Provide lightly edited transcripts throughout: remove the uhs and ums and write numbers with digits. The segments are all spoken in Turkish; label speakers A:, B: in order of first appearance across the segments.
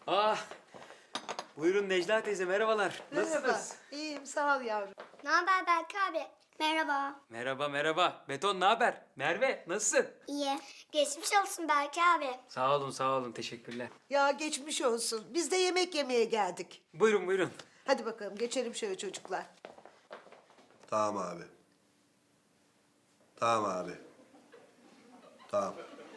A: Ah, buyurun Necla teyze, merhabalar.
B: Merhaba.
A: Nasılsınız?
B: İyiyim, sağ ol yavrum.
C: Ne haber Berk abi? Merhaba.
A: Merhaba, merhaba. Beton, ne haber? Merve, nasılsın?
C: İyi. Geçmiş olsun Berk abi.
A: Sağ olun, teşekkürler.
B: Ya geçmiş olsun. Biz de yemek yemeye geldik.
A: Buyurun, buyurun.
B: Hadi bakalım geçelim şöyle çocuklar.
D: Tamam abi. Tamam abi. Tamam.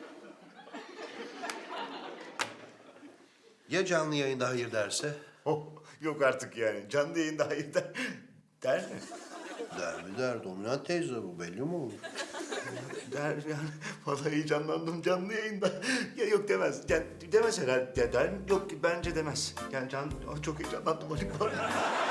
D: Ya canlı yayında hayır derse?
E: Oh, yok artık yani. Canlı yayında hayır der mi?
D: Der mi der, dominant teyze bu belli mi olur?
E: Der yani. Vallahi heyecanlandım canlı yayında. Ya yok demez. Demez herhalde. Der mi? Yok bence demez. Yani çok heyecanlandım Haluk var.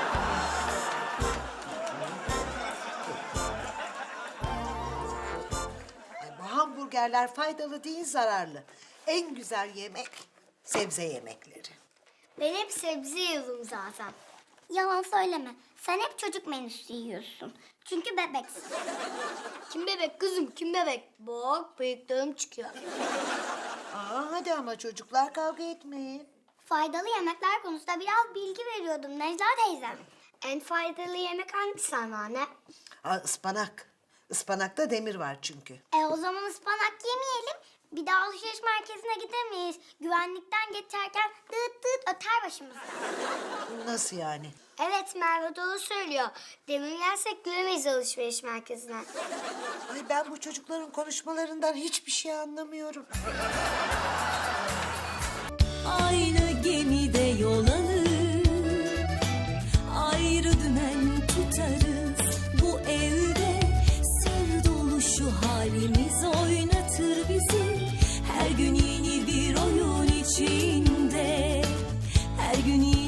B: Ay, bu hamburgerler faydalı değil, zararlı. En güzel yemek sebze yemekleri.
C: Ben hep sebze yiyorum zaten. Yalan söyleme. Sen hep çocuk menüsü yiyorsun. Çünkü bebeksin. Kim bebek kızım, kim bebek? Bak bıyıklarım çıkıyor.
B: Aa, hadi ama çocuklar kavga etmeyin.
C: Faydalı yemekler konusunda biraz bilgi veriyordum Necla teyzem. En faydalı yemek hangisi anneanne?
B: Aa, ıspanak. Ispanakta demir var çünkü.
C: O zaman ıspanak yemeyelim. Bir daha alışveriş merkezine gidemeyiz. Güvenlikten geçerken dıt dıt öter başımızda.
B: Nasıl yani?
C: Evet Merve doğru söylüyor. Demir yersek giremeyiz alışveriş merkezine.
B: Ay, ben bu çocukların konuşmalarından hiçbir şey anlamıyorum.
F: Aynı gemide yol alır, ayrı dümen tutarız. Bu evde sır dolu şu halimiz oynatır bizi. Her gün yeni bir oyun içinde, her gün yeni